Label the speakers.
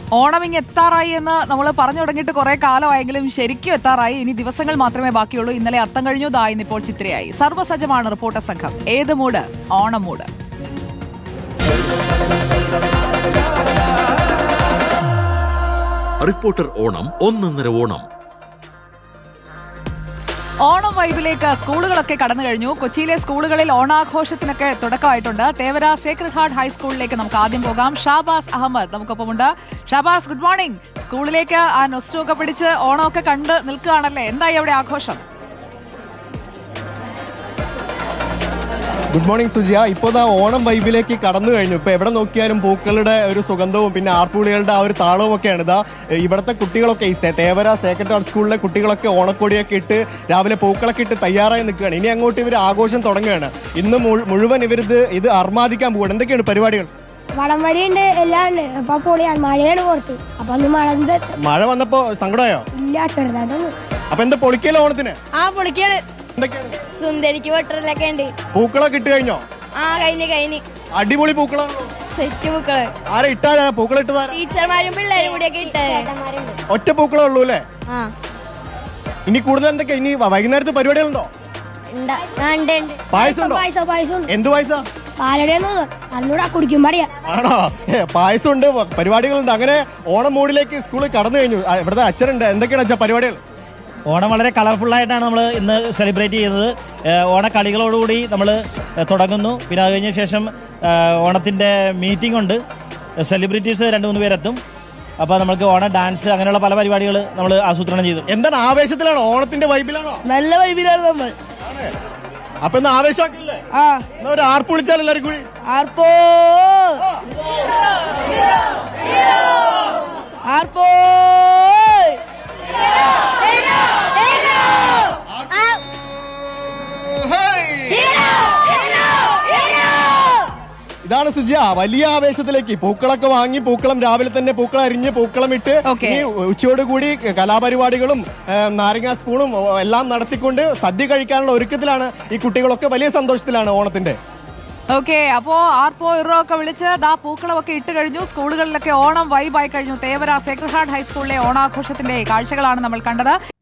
Speaker 1: ഓണം ഇങ്ങ് എത്താറായി എന്ന് നമ്മൾ പറഞ്ഞു തുടങ്ങിയിട്ട് കുറെ കാലമായെങ്കിലും ശരിക്കും എത്താറായി. ഇനി ദിവസങ്ങൾ മാത്രമേ ബാക്കിയുള്ളൂ. ഇന്നലെ അത്തം കഴിഞ്ഞു, ദാ ഇന്നിപ്പോൾ ചിത്രയായി. സർവ്വസജ്ജമാണ് റിപ്പോർട്ടർ സംഘം. ഏത് mood? Onam mood.
Speaker 2: Reporter Onam, ഒന്നൊന്നര ഓണം.
Speaker 1: ഓണം വൈബിലേക്ക് സ്കൂളുകളൊക്കെ കടന്നു കഴിഞ്ഞു. കൊച്ചിയിലെ സ്കൂളുകളിൽ ഓണാഘോഷത്തിനൊക്കെ തുടക്കമായിട്ടുണ്ട്. തേവര സേക്രഡ് ഹാർട്ട് ഹൈസ്കൂളിലേക്ക് നമുക്ക് ആദ്യം പോകാം. ഷാബാസ് അഹമ്മദ് നമുക്കൊപ്പമുണ്ട്. Shabaz, good morning. സ്കൂളിലേക്ക് ആ നൊസ്റ്റൊക്കെ പിടിച്ച് ഓണമൊക്കെ കണ്ട് നിൽക്കുകയാണല്ലേ, എന്തായി അവിടെ ആഘോഷം?
Speaker 3: Good morning Sujiya. ഇപ്പോൾ ഓണം വൈബിലേക്ക് കടന്നു കഴിഞ്ഞു. ഇപ്പൊ എവിടെ നോക്കിയാലും പൂക്കളുടെ ഒരു സുഗന്ധവും പിന്നെ ആർപ്പുളികളുടെ ആ ഒരു താളവും ഒക്കെയാണ്. ഇവിടുത്തെ കുട്ടികളൊക്കെ തേവര സേക്രഡ് ഹാർട്ട് സ്കൂളിലെ കുട്ടികളൊക്കെ ഓണക്കൊടിയൊക്കെ ഇട്ട് രാവിലെ പൂക്കളൊക്കെ ഇട്ട് തയ്യാറായി നിൽക്കുകയാണ്. ഇനി അങ്ങോട്ട് ഇവർ ആഘോഷം തുടങ്ങുകയാണ്. ഇന്ന് മുഴുവൻ ഇത് അർമാദിക്കാൻ പോവുകയാണ്. എന്തൊക്കെയാണ് പരിപാടികൾ?
Speaker 4: വടംവലിയുണ്ട്, എല്ലാം ഉണ്ട്. അപ്പൊ പൊളിയാണ്. മഴയാണ് പുറത്ത്. അപ്പൊ അന്ന്
Speaker 3: മഴ വന്നപ്പോ സങ്കടമായോ?
Speaker 4: ഇല്ല, ചെറുതായിട്ടൊന്നും.
Speaker 3: അപ്പൊ എന്താ പൊളിക്കലോ ഓണത്തിന്?
Speaker 4: ആ, പൊളിക്കാണ്.
Speaker 3: എന്തൊക്കെയാണ്?
Speaker 4: സുന്ദരിക്ക് വെട്ടറിലൊക്കെ ഉണ്ട്.
Speaker 3: പൂക്കളൊക്കെ ഇട്ട് കഴിഞ്ഞോ?
Speaker 4: ആ, കഴിഞ്ഞ്
Speaker 3: അടിപൊളി പൂക്കളാണോ?
Speaker 4: സെറ്റ് പൂക്കള്.
Speaker 3: ആരാ ഇട്ടാ? പൂക്കൾ ഇട്ടതാ?
Speaker 4: ടീച്ചർമാരും പിള്ളേരും കൂടിയൊക്കെ ഇട്ട്.
Speaker 3: ഒറ്റ പൂക്കളേ ഉള്ളൂ അല്ലേ? ഇനി കൂടുതൽ എന്തൊക്കെ? ഇനി വൈകുന്നേരത്തെ പരിപാടികളുണ്ടോ? പായസം ഉണ്ടോ?
Speaker 4: പായസം.
Speaker 3: എന്ത് പായസം?
Speaker 4: പാലടയെന്ന് അല്ലൂടെ കുടിക്കും പറയാ.
Speaker 3: ആണോ? പായസം ഉണ്ട്, പരിപാടികളുണ്ട്. അങ്ങനെ ഓണം മൂഡിലേക്ക് സ്കൂളിൽ കടന്നു കഴിഞ്ഞു. ഇവിടുത്തെ അച്ഛനുണ്ട്. എന്തൊക്കെയാണ് അച്ഛാ പരിപാടികൾ?
Speaker 5: ഓണം വളരെ കളർഫുള്ളായിട്ടാണ് നമ്മൾ ഇന്ന് സെലിബ്രേറ്റ് ചെയ്യുന്നത്. ഓണക്കളികളോടുകൂടി നമ്മൾ തുടങ്ങുന്നു. പിന്നെ അത് കഴിഞ്ഞ ശേഷം ഓണത്തിൻ്റെ മീറ്റിംഗ് ഉണ്ട്. സെലിബ്രിറ്റീസ് 2-3 പേരെത്തും. അപ്പോൾ നമുക്ക് ഓണം ഡാൻസ് അങ്ങനെയുള്ള പല പരിപാടികൾ നമ്മൾ ആസൂത്രണം ചെയ്തു.
Speaker 3: എന്താണ്, ആവേശത്തിലാണോ? ഓണത്തിന്റെ വൈബിലാണോ?
Speaker 4: നല്ല വൈബിലാണ് നമ്മൾ.
Speaker 3: അപ്പൊ ഇന്ന് ആവേശമാക്കില്ലേ? എന്നാ ഒരു ആർപ്പ് വിളിച്ചാൽ എല്ലാവരും കൂടി.
Speaker 4: ആർപ്പോ ആർപ്പോ.
Speaker 3: ഇതാണ് സുജിയ, വലിയ ആവേശത്തിലേക്ക് പൂക്കളൊക്കെ വാങ്ങി പൂക്കളം രാവിലെ തന്നെ പൂക്കളം അരിഞ്ഞ് പൂക്കളം ഇട്ട് ഉച്ചയോടുകൂടി കലാപരിപാടികളും നാരങ്ങാ സ്പൂണും എല്ലാം നടത്തിക്കൊണ്ട് സദ്യ കഴിക്കാനുള്ള ഒരുക്കത്തിലാണ് ഈ കുട്ടികളൊക്കെ. വലിയ സന്തോഷത്തിലാണ് ഓണത്തിന്റെ.
Speaker 1: ഓക്കെ, അപ്പോ ആർപ്പോ ഇറോ ഒക്കെ വിളിച്ച് ദാ പൂക്കളമൊക്കെ ഇട്ട് കഴിഞ്ഞു. സ്കൂളുകളിലൊക്കെ ഓണം വൈബായി കഴിഞ്ഞു. തേവര സേക്രഡ് ഹാർട്ട് ഹൈസ്കൂളിലെ ഓണാഘോഷത്തിന്റെ കാഴ്ചകളാണ് നമ്മൾ കണ്ടത്.